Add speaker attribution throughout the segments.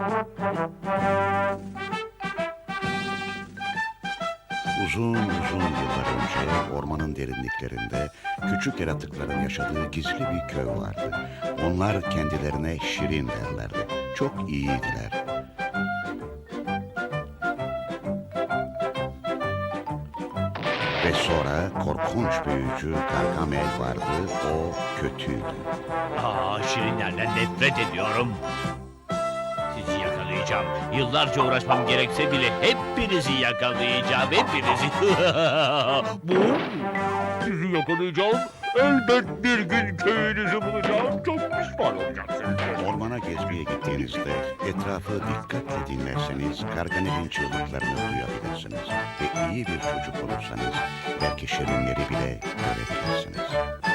Speaker 1: Uzun uzun yıllar önce ormanın derinliklerinde küçük yaratıkların yaşadığı gizli bir köy vardı. Onlar kendilerine Şirin derlerdi. Çok iyiydiler. Ve sonra korkunç büyücü Gargamel vardı. O kötüydü.
Speaker 2: Şirinlerden nefret ediyorum. Sizi yakalayacağım. Yıllarca uğraşmam gerekse bile hepinizi yakalayacağım. Hepinizi. Bu. Sizi yakalayacağım. Elbet bir gün köyünüzü bulacağım. Çok pişman olacaksınız.
Speaker 1: Ormana gezmeye gittiğinizde etrafı dikkatle dinlerseniz Gargamel'in çığlıklarını duyabilirsiniz. Ve iyi bir çocuk olursanız belki şirinleri bile görebilirsiniz.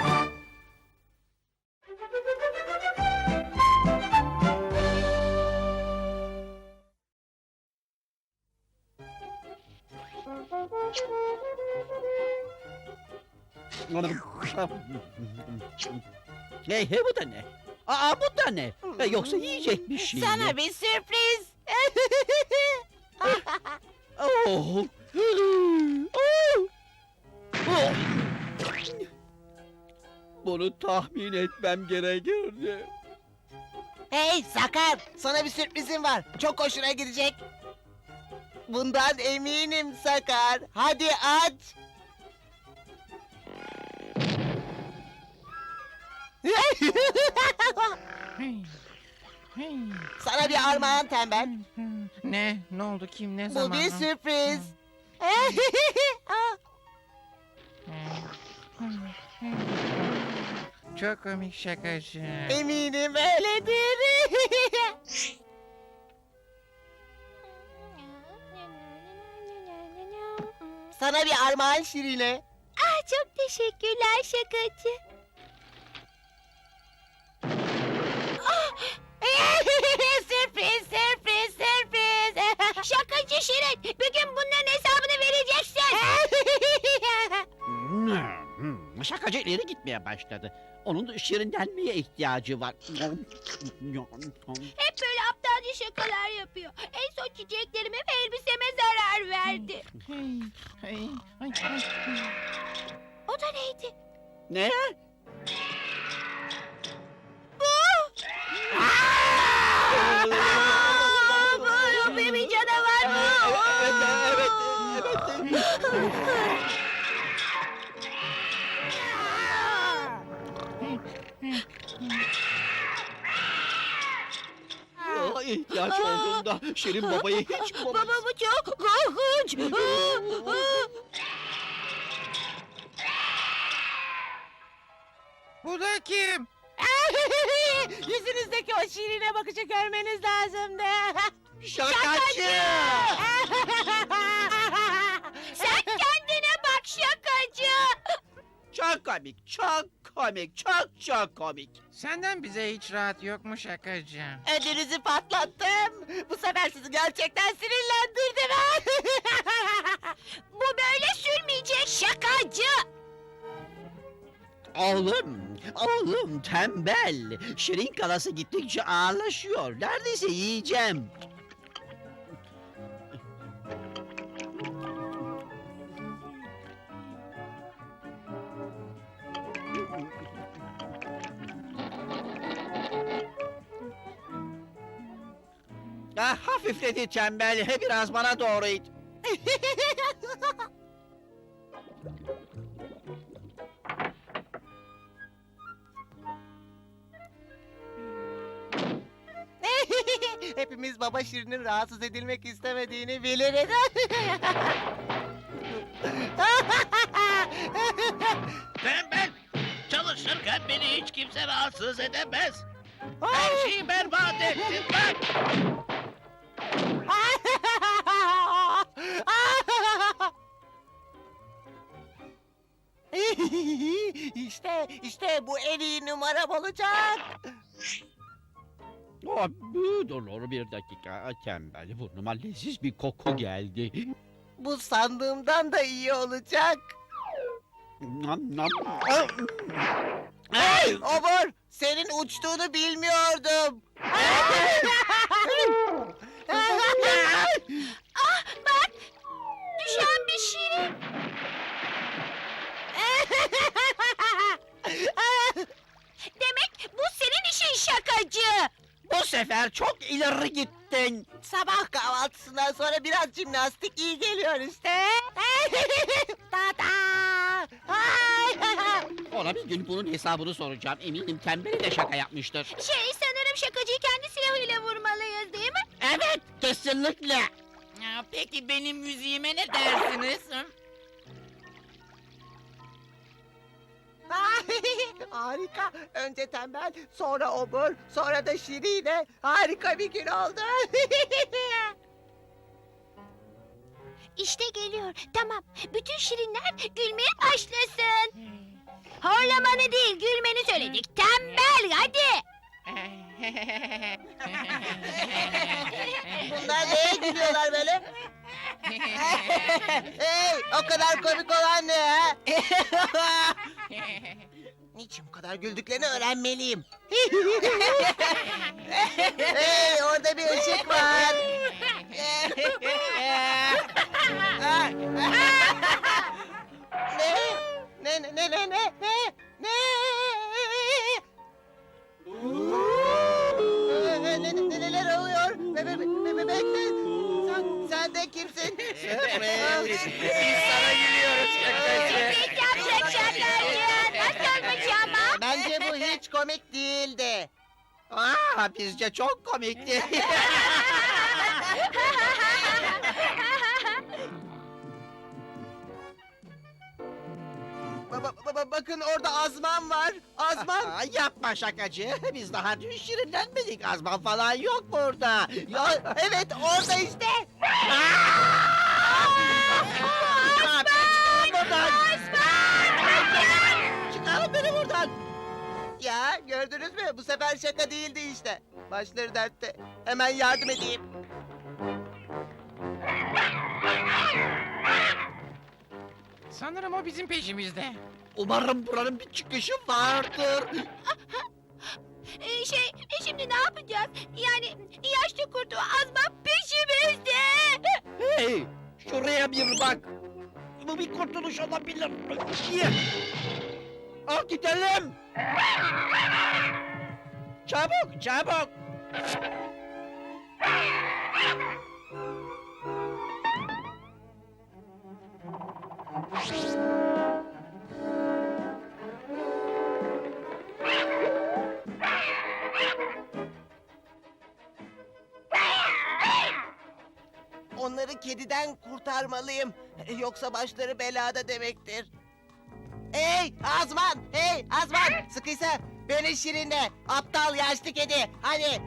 Speaker 3: Hey bu da ne? Bu da ne? Yoksa yiyecek bir şey mi?
Speaker 4: Sana bir sürpriz.
Speaker 3: Oh. Oh. Oh. Bunu tahmin etmem gerekirdi.
Speaker 4: Hey Sakar, sana bir sürprizim var. Çok hoşuna gidecek. Bundan eminim Sakar. Hadi aç. Sana bir armağan tembel.
Speaker 5: Ne? Ne oldu? Kim? Ne zaman?
Speaker 4: Bu bir sürpriz.
Speaker 5: Çok komik şakacı.
Speaker 4: Eminim öyledir. Sana bir armağan Şirine.
Speaker 6: Çok teşekkürler şakacı.
Speaker 4: Sürpriz, sürpriz, sürpriz.
Speaker 6: Şakacı Şirin, bir gün bunların hesabını vereceksin.
Speaker 3: Şakacı ileri gitmeye başladı. Onun da şirinlenmeye ihtiyacı var.
Speaker 6: Hep böyle aptalca şakalar yapıyor. En son çiçeklerime ve elbiseme zarar verdi. O da neydi?
Speaker 3: Ne?
Speaker 6: Bu bir canavar mı?
Speaker 3: İhtiyaç olduğunda Şirin babayı hiç bulamayız.
Speaker 6: Baba bu çok korkunç.
Speaker 5: Bu da kim?
Speaker 4: Yüzünüzdeki o Şirine bakışı görmeniz lazımdı.
Speaker 3: Şakacı!
Speaker 6: Sen kendine bak şakacı.
Speaker 3: Çok komik, çok komik, çok komik.
Speaker 5: Senden bize hiç rahat yok mu şakacı?
Speaker 4: Ödünüzü patlattım. Bu sefer sizi gerçekten sinirlendirdim.
Speaker 6: Bu böyle sürmeyecek şakacı.
Speaker 3: Oğlum tembel. Şirin kalası gittikçe ağırlaşıyor. Neredeyse yiyeceğim. Hafifledi tembel. Biraz bana doğru it.
Speaker 4: Hepimiz baba Şirin'in rahatsız edilmek istemediğini biliriz.
Speaker 2: Tembel. Çalışırken beni hiç kimse rahatsız edemez. Her şeyi berbat ettin bak.
Speaker 4: işte bu en iyi numaram olacak.
Speaker 3: Dur bir dakika tembel. Burnuma leziz bir koku geldi.
Speaker 4: Bu sandığımdan da iyi olacak. Hey Obur, senin uçtuğunu bilmiyordum.
Speaker 3: çok ileri gittin.
Speaker 4: Sabah kahvaltısından sonra biraz jimnastik iyi geliyor işte. Tata! Ay!
Speaker 3: Ona bir gün bunun hesabını soracağım. Eminim tembeli de şaka yapmıştır.
Speaker 6: Sanırım şakacıyı kendi silahıyla vurmalıyız değil mi?
Speaker 3: Evet, kesinlikle.
Speaker 5: Peki benim müziğime ne dersiniz?
Speaker 4: Harika. Önce tembel, sonra obur, sonra da şirine. Harika bir gün oldu.
Speaker 6: İşte geliyor. Tamam. Bütün şirinler gülmeye başlasın. Horlamanı değil, gülmeni söyledik. Tembel, hadi.
Speaker 4: Bunlar neye gülüyorlar böyle? Hey, o kadar komik olan ne ha? Niçin bu kadar güldüklerini öğrenmeliyim. Hey, orada bir ışık var. Neler oluyor? Bekle. Sen de kimsin?
Speaker 5: Biz sana gülüyoruz şakacı.
Speaker 6: Peki şaşırtayım. Nasılmış ama?
Speaker 4: Bence bu hiç komik değildi.
Speaker 3: Bizce çok komikti.
Speaker 4: Bakın orada Azman var. Azman.
Speaker 3: Yapma şakacı. Biz daha dün şirinlenmedik. Azman falan yok burada.
Speaker 4: Ya, evet orada işte.
Speaker 3: Çıkarın buradan. Çıkarın beni buradan.
Speaker 4: Ya gördünüz mü? Bu sefer şaka değildi işte. Başları dertte. Hemen yardım edeyim.
Speaker 5: Sanırım o bizim peşimizde.
Speaker 3: Umarım buranın bir çıkışı vardır.
Speaker 6: Şimdi ne yapacağız? Yani yaşlı kurtu azma peşimizde.
Speaker 3: Hey, şuraya bir bak. Bu bir kurtuluş olabilir. Al gidelim. Çabuk, çabuk.
Speaker 4: Onları kediden kurtarmalıyım. Yoksa başları belada demektir. Hey Azman! Hey Azman! Sıkıysa beni şirinle. Aptal yaşlı kedi. Hadi.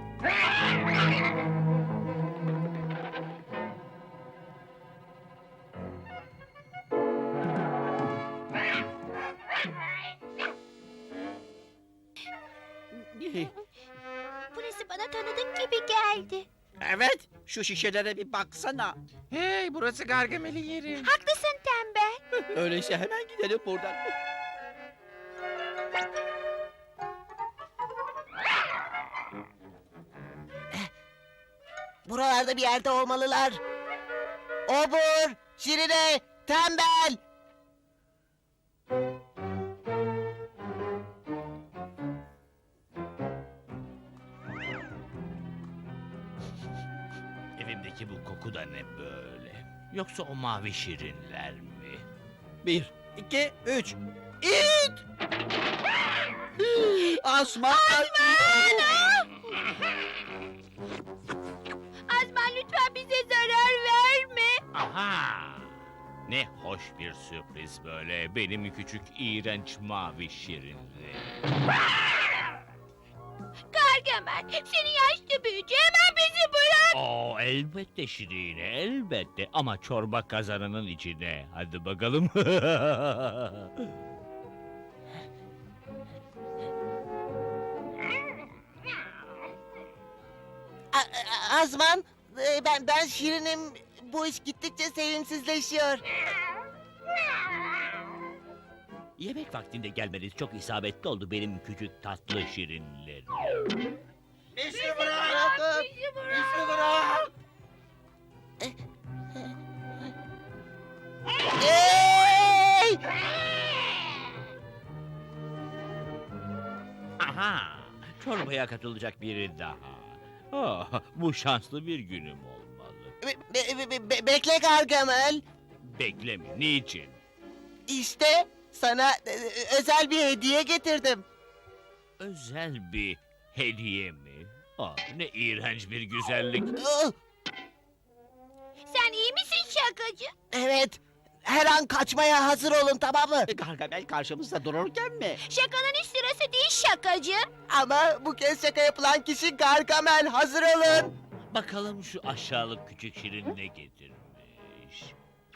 Speaker 6: Burası bana tanıdık gibi geldi.
Speaker 3: Evet, şu şişelere bir baksana.
Speaker 5: Hey, burası Gargamel'in yeri.
Speaker 6: Haklısın tembel.
Speaker 3: Öyleyse hemen gidelim buradan.
Speaker 4: Buralarda bir yerde olmalılar. Obur, şirine, tembel.
Speaker 2: Evimdeki bu koku da ne böyle? Yoksa o mavi şirinler mi?
Speaker 3: 1, 2, 3. İt! Asma!
Speaker 6: Azman lütfen bize zarar verme.
Speaker 2: Aha! Ne hoş bir sürpriz böyle. Benim küçük iğrenç mavi şirinli.
Speaker 6: Gargamel, seni yaşlı büyücü, hemen bizi bırak.
Speaker 2: Oo, elbette Şirine, elbette. Ama çorba kazanının içine. Hadi bakalım.
Speaker 4: Azman, ben şirinim. Bu iş gittikçe sevimsizleşiyor.
Speaker 2: Yemek vaktinde gelmeniz çok isabetli oldu benim küçük tatlı şirinlerim.
Speaker 3: Bizi bırak! Bizi bırak!
Speaker 4: Hey!
Speaker 2: Aha! Çorbaya katılacak biri daha. Bu şanslı bir günüm olmalı.
Speaker 4: Bekle Gargamel.
Speaker 2: Bekleme, niçin?
Speaker 4: İşte sana özel bir hediye getirdim.
Speaker 2: Özel bir hediye mi? Ne iğrenç bir güzellik.
Speaker 6: Sen iyi misin şakacı?
Speaker 4: Evet. Her an kaçmaya hazır olun, tamam mı?
Speaker 3: Gargamel karşımızda dururken mi?
Speaker 6: Şakanın hiç sırası değil şakacı.
Speaker 4: Ama bu kez şaka yapılan kişi Gargamel. Hazır olun.
Speaker 2: Bakalım şu aşağılık küçük şirin ne getirmiş.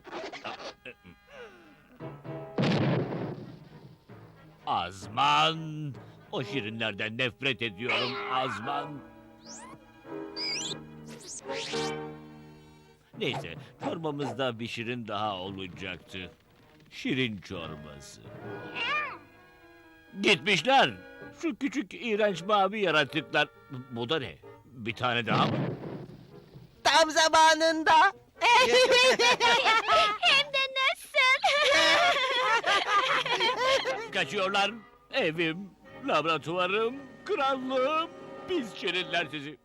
Speaker 2: Azman! O şirinlerden nefret ediyorum Azman. Neyse, çorbamızda bir şirin daha olacaktı. Şirin çorbası. Gitmişler. Şu küçük iğrenç mavi yaratıklar. Bu da ne? Bir tane daha mı?
Speaker 4: Tam zamanında.
Speaker 6: Hem de nasıl?
Speaker 2: Kaçıyorlar. Evim, laboratuvarım, krallığım. Pis şirinler sizi.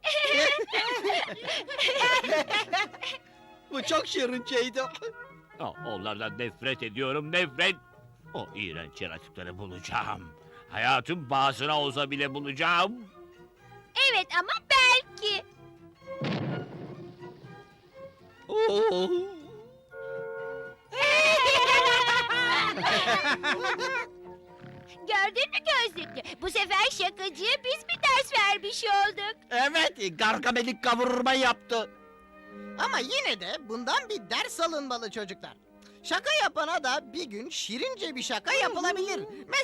Speaker 3: Bu çok şirinceydi.
Speaker 2: Onlardan nefret ediyorum, nefret. O iğrenç yaratıkları bulacağım. Hayatım pahasına olsa bile bulacağım.
Speaker 6: Evet ama belki. Gördün mü gözlüklü? Bu sefer şakacıya biz bir ders vermiş olduk.
Speaker 3: Evet, Gargamel'i kavurma yaptı.
Speaker 7: Ama yine de bundan bir ders alınmalı çocuklar. Şaka yapana da bir gün şirince bir şaka yapılabilir.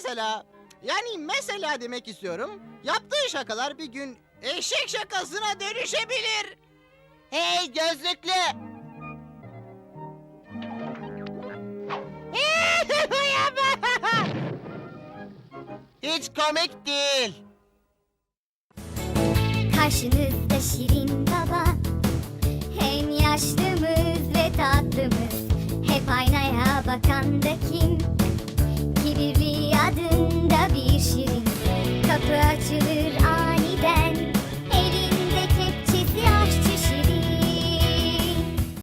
Speaker 7: Mesela demek istiyorum. Yaptığı şakalar bir gün eşek şakasına dönüşebilir.
Speaker 4: Hey gözlüklü. Hiç komik değil.
Speaker 8: Karşınızda Şirin Baba, hem yaşlımız ve tatlımız, hep aynaya bakan da